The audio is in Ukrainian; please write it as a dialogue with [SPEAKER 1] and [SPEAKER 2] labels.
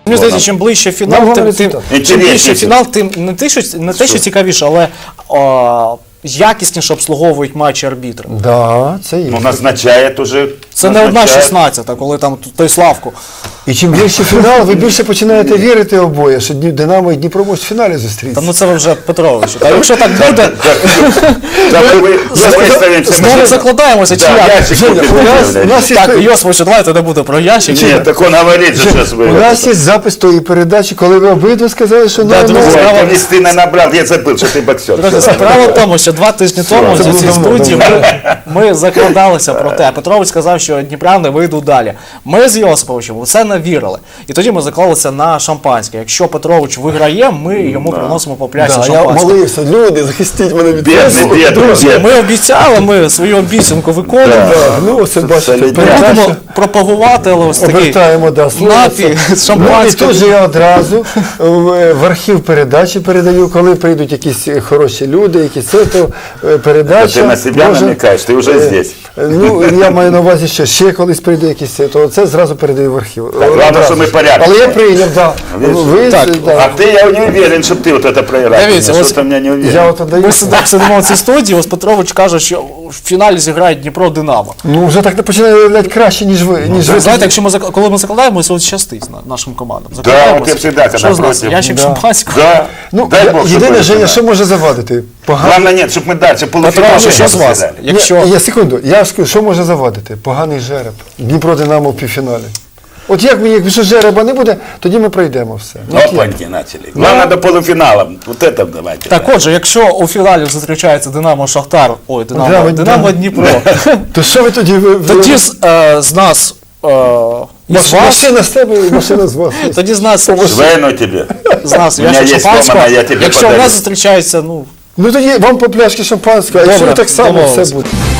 [SPEAKER 1] Мені здається, чим ближче фінал, чим ближче фінал, тим не те, що цікавіше, але якісніше обслуговують матчі арбітри.
[SPEAKER 2] Да, це є.
[SPEAKER 3] Ну, назначає уже.
[SPEAKER 1] Це не 1/16, коли там той Славку.
[SPEAKER 2] І чим більше фінал, ви більше починаєте вірити обоє, що Динамо і Дніпро можуть в фіналі зустрітися.
[SPEAKER 1] Та ну це ви вже Петрович. Та якщо так буде, знову закладаємося, чи як? Так, Йосифович, давайте не буде про ящик.
[SPEAKER 3] Ні, так він говорить, що зараз ви.
[SPEAKER 2] У нас є запис тої передачі, коли ви обидва сказали, що
[SPEAKER 3] Ти не набрав, я забув, що ти боксер.
[SPEAKER 1] Друзі, справа в тому, що 2 тижні тому в цій студії ми закладалися про те. Петрович сказав, що дніпряни вийдуть далі. Ми з Йосиповичем це не вірили. І тоді ми заклалися на шампанське. Якщо Петрович виграє, ми йому приносимо по пляшці шампанське.
[SPEAKER 2] Я молився, люди, захистіть мене від цього.
[SPEAKER 1] Друзі, ми обіцяли, ми свою обіцянку виконуємо.
[SPEAKER 2] Ну, ось бачите,
[SPEAKER 1] Будемо пропагувати, але ось такий напій з шампанським.
[SPEAKER 2] І тут же я одразу в архів передачі передаю, коли прийдуть якісь хороші люди, якісь передача.
[SPEAKER 3] Ти на себе намікаєш, ти вже здесь.
[SPEAKER 2] Ну, я маю на увазі, що ще колись прийде якийсь, то це зразу передаю в архів.
[SPEAKER 3] Главное, що ми порядок.
[SPEAKER 2] Але я прийняв, так.
[SPEAKER 3] А ти, я не уверен, щоб ти це проіграв.
[SPEAKER 1] Дивіться, ось ми сидимо в цій студії, ось Петрович каже, що в фіналі зіграє Дніпро-Динамо.
[SPEAKER 2] Ну, вже так не починає виявляти краще, ніж ви.
[SPEAKER 1] Знаєте, коли ми закладаємося, от щастить нашим командам.
[SPEAKER 3] Так, от я завжди,
[SPEAKER 1] що з нас, ящик шампанського?
[SPEAKER 2] Ну, єдине, Женя, що може завадити?
[SPEAKER 3] Головне, ні, щоб ми далі
[SPEAKER 1] Петрович, що з вас?
[SPEAKER 2] Я секунду, я скажу, що може завадити? Поганий жереб. Дніпро-Динамо в півфіналі. От якщо жереба не буде, тоді ми пройдемо все.
[SPEAKER 3] Опаньки почали. Главное до полуфіналу. Вот это давайте.
[SPEAKER 1] Так отже, якщо у фіналі зустрічається Динамо-Шахтар, ой, Динамо-Дніпро,
[SPEAKER 2] то що ви тоді?
[SPEAKER 1] Тоді з нас...
[SPEAKER 2] Машина з тебе і машина з вас.
[SPEAKER 1] Тоді з нас...
[SPEAKER 3] Швейно тебе.
[SPEAKER 1] З нас ящик шампанського. Якщо у нас зустрічається, ну...
[SPEAKER 2] Ну тоді вам по пляшки шампанського, а якщо так само все буде.